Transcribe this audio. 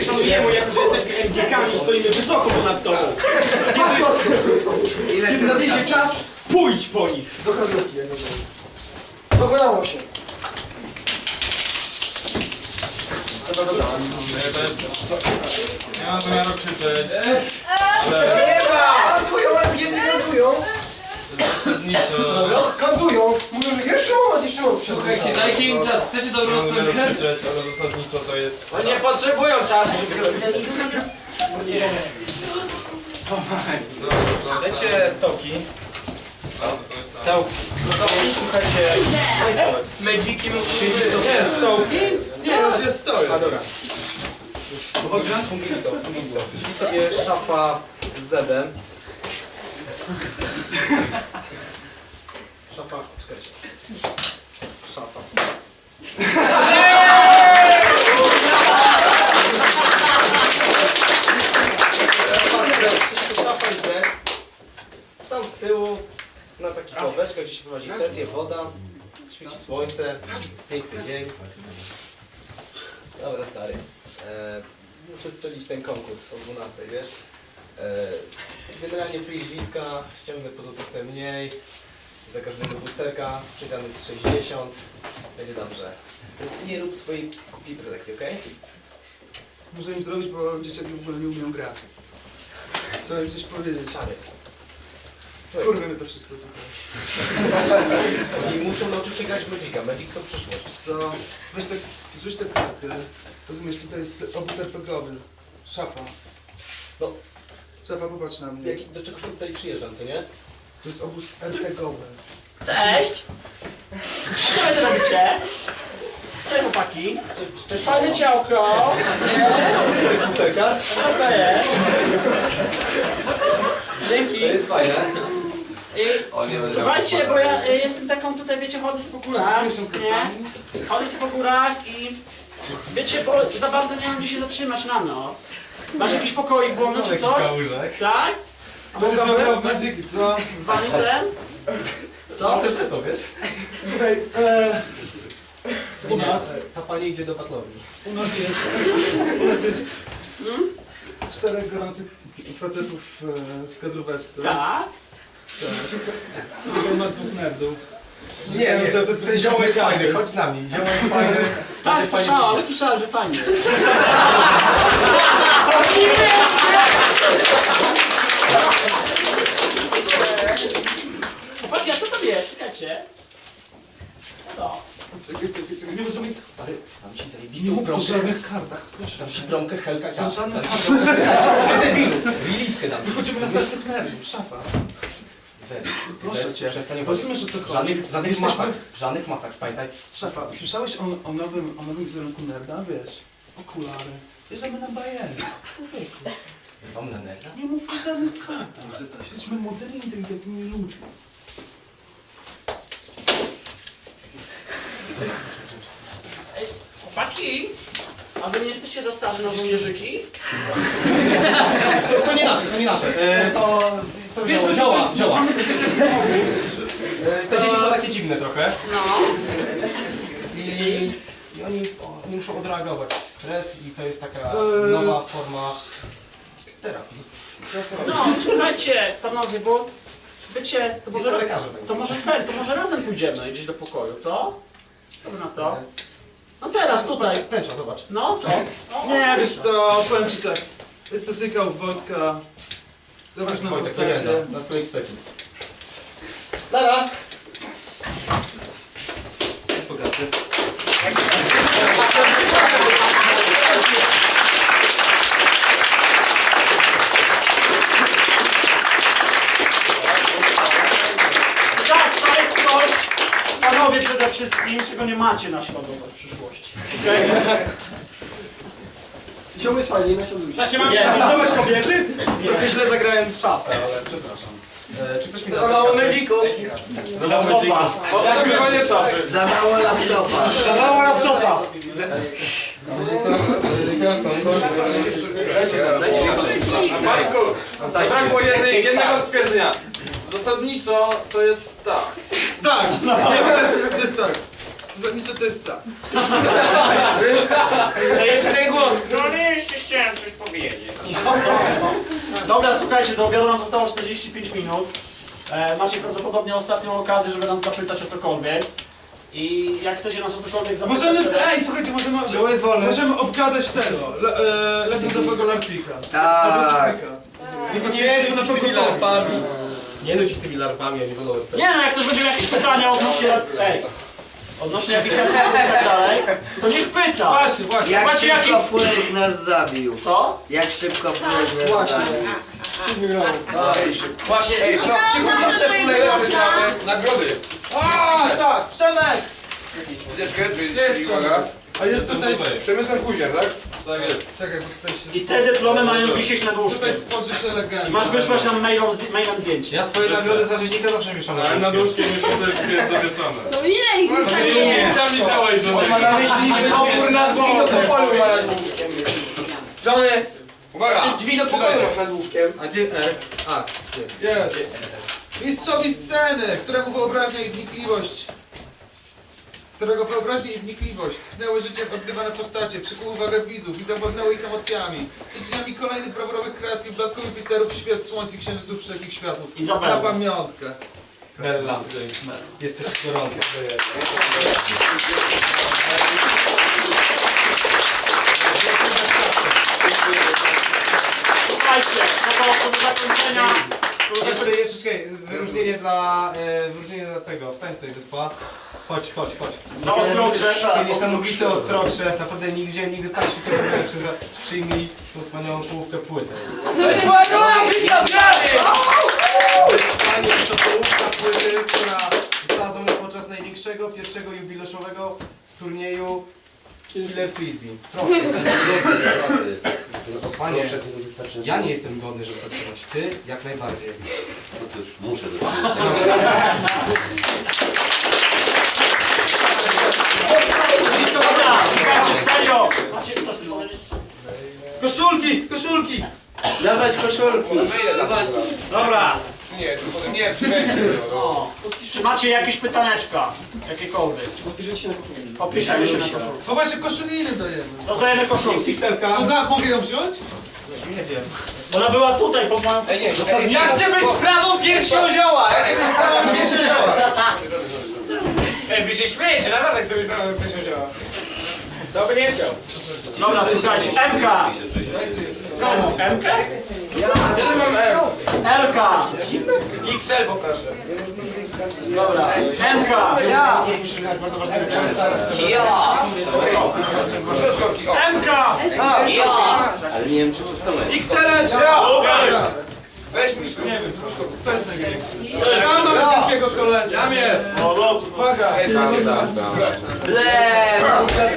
nie szanujemy, jako że jesteśmy MGK-ami i stoimy wysoko ponad tobą. Kiedy nadejdzie czas, pójdź po nich. Do kawiarki, jak dokonało się. Nie mam zamiaru krzyczeć, Nie ma! Kantują, kantują. zasadniczo... Kantują. Mówią, że jeszcze moment. Słuchajcie, dajcie im czas, chcecie dobrą Nie mam zamiaru scenkę? krzyczeć, ale zasadniczo to jest... No nie potrzebują czasu. Dajcie stołki. Stołki. Słuchajcie, Magiki nie, stołki? Nie, jest stołek. A dobra. Fungito. Czyli sobie szafa z Zedem. Szafa, czekajcie. Szafa. Szafa i Zed. Tam z tyłu, na takich ławeczkach, gdzie się prowadzi sesję, woda. Świeci słońce, jest piękny dzień. Dobra, stary. Muszę strzelić ten konkurs o 12, wiesz? Generalnie przyjdziska, ściągnę po złotówkę mniej. Za każdego boosterka sprzedamy z 60. Będzie dobrze. Więc nie rób swojej kupi prelekcji, okej? Muszę im zrobić, bo dzieciaki w ogóle nie umieją grać. Trzeba im coś powiedzieć. Czary. Kurwa mnie to wszystko tutaj. I muszą nauczyć się grać w Magica. Magic to przyszłość. Co? Weź tak, rzuć te karty. Rozumiesz, tutaj jest obóz RPG-owy. Szafa. No. Szafa, popatrz na mnie. Do czegoś tutaj przyjeżdżam, co nie? To jest obóz RPG-owy. Cześć! Co wy tu robicie? Cześć chłopaki! Cześć, Fajne ciałko! Boosterka? Co to jest? Dzięki! To jest fajne. Słuchajcie, bo ja jestem taką tutaj, wiecie, chodzę sobie po górach, nie? Chodzę sobie po górach i wiecie, bo za bardzo nie mam gdzie się zatrzymać na noc. Masz jakiś pokoik wolny czy coś? Tak? A Będziesz mogę zagrał w Magiki, co? z wami ten? Co? Też to wiesz? Słuchaj, u nas, Ta pani idzie do batlowni. u nas jest 4 gorących facetów w kadróweczce. Tak? Tutaj masz 2 nerdów. Nie, ten zioło jest fajny, chodź z nami. Zioło jest fajny. Tak, słyszałem, że fajnie. Chłopaki, a co to jest? Czekajcie. No. Czekaj, nie możemy ich... Stary, dam ci Nie zajebistą mów o promkę. żadnych kartach, proszę. Dam ci promkę Helka. Za żadne Dam ci karty. promkę Helka. Ty debilu. Riliskę dam ci. Wychodzimy na naszych nerdów, szafa. Proszę cię. Przestań Rozumiesz, o co chodzi? Żadnych Jesteśmy- masak. Żadnych masak, pamiętaj. Szafa, słyszałeś o nowym wizerunku nerda, wiesz? Okulary. Bierzemy na bajery. Człowieku, Wam na nerda? nie mów o żadnych kartach. Jesteśmy młodymi, inteligentnymi ludźmi. Ej, chłopaki, a wy nie jesteście za starzy na żołnierzyki? To nie nasze, to nie nasze. To zioła. Te dzieci są takie dziwne trochę. No. I oni muszą odreagować stres i to jest taka nowa forma terapii. No, słuchajcie, panowie, bo wiecie, to Jestem może, lekarzem. to może razem pójdziemy gdzieś do pokoju, co? Co wy na to? No teraz, tutaj. Tęcza, zobacz. No, co? Nie, wiesz co, powiem ci tak. Jest to sykał Wojtka. Zobacz na Wojtek, postacie. legenda, nad twoim expecting. Lara! Sugaty. Tak, to jest coś, panowie przede wszystkim, czego nie macie naśladować w przyszłości. Okej? Zioło jest fajnie, nasiądujcie. Znaczy mam naśladować kobiety? Trochę źle zagrałem w szafę, ale przepraszam. Czy ktoś mi da Za mało medzików. Za mało medzików. Nagrywanie szafy. Za mało laptopa. Za mało laptopa. Matku, zabrakło jednego stwierdzenia. Zasadniczo to jest tak. Tak, to jest tak. Zasadniczo to jest tak. To jest ten głos. No nie jesteście. słuchajcie, do obiadu nam zostało 45 minut. Macie prawdopodobnie ostatnią okazję, żeby nas zapytać o cokolwiek. I jak chcecie nas o cokolwiek zapytać... Słuchajcie, Było jest wolne. możemy obgadać tego, legendowego larpika. Tak. Tylko czy Nie jesteśmy na nuć to tymi gotowi? larpami. Nie nuć ich tymi larpami, a nie wolno. Nie no, jak ktoś będzie miał jakieś pytania odnośnie... Odnośnie jakichś RPG i tak dalej, to niech pyta! Właśnie. Jak Zobaczcie, szybko jaki- Fulek nas zabił. Co? Jak szybko Fulek nas Właśnie. zabił. Właśnie. Ej, co? Czy kurczę Fulek? Nagrody! Tak, Przemek! Chwileczkę, czyli Jest uwaga. A jest tutaj... Przemysław Kuźniar, tak? Tak jest. Czekaj, bo tutaj się... I te dyplomy mają wisieć nad łóżkiem. Tutaj tworzysz elegancko. I masz wysłać nam mailem zdjęcie. Ja swoje nagrody za rzeźnika zawsze wieszam Ale na nóżkiem już też jest zawieszone. To ile ich już tam jest? Sami działaj, Ma na myśli, że opór na drzwi do pokoju ma nad łóżkiem. Johnny, Uwaga! drzwi do pokoju masz nad łóżkiem. A gdzie R? A, jest. Jest. Mistrzowi sceny, którego wyobraźnia i wnikliwość tchnęły życiem odgrywane postacie, przykuły uwagę widzów i zawładnęły ich emocjami. Przyczynami kolejnych brawurowych kreacji, blasków Jupiterów, świat, słońc i księżyców wszelkich światów. Izabela. Na pamiątkę. Bella. Jesteś gorący. Słuchajcie, no to do zakończenia. Jeszcze czekaj, wyróżnienie dla tego, wstań tutaj wyspa. Chodź. Za ostrokrze. Niesamowity ostrokrze, naprawdę nie widziałem nigdy tak się tego że przyjmij tą wspaniałą połówkę płyty. To jest moja rola, widzia sprawy! Panie, to połówka płyty, która została złożona podczas największego, pierwszego jubileuszowego turnieju Killer Frisbee. Proszę. Panie, ja nie jestem godny, żeby to trzymać. Ty jak najbardziej. No cóż, muszę to Dobra, słuchajcie, serio. Macie, co chcesz powiedzieć? Koszulki! Dawać koszulki. Dobra. Nie, to potem nie, przybędzie. O. Czy macie jakieś pytaneczka? Jakiekolwiek? Opiszemy się na koszulkę. No właśnie, koszuliny dajemy. Rozdajemy koszulki. Pixelka. To tak, mogę ją wziąć? Nie wiem. Ona była tutaj, pod moją... Ja chcę być prawą piersią zioła! Ja chcę być prawą piersią zioła! Ej, wy się śmiejecie, naprawdę chcę być prawą piersią zioła. To by nie chciał. Dobra, słuchajcie, MK! Komu? MK? Ja mam M. LK! XL poproszę. Dobra, MK! Ja. Przeskokki, o! MK! XL-eczka! Weź mi skrót. To jest największy. Ja mam takiego kolesia. Tam jest. O, no, Uwaga. Tam. Ble!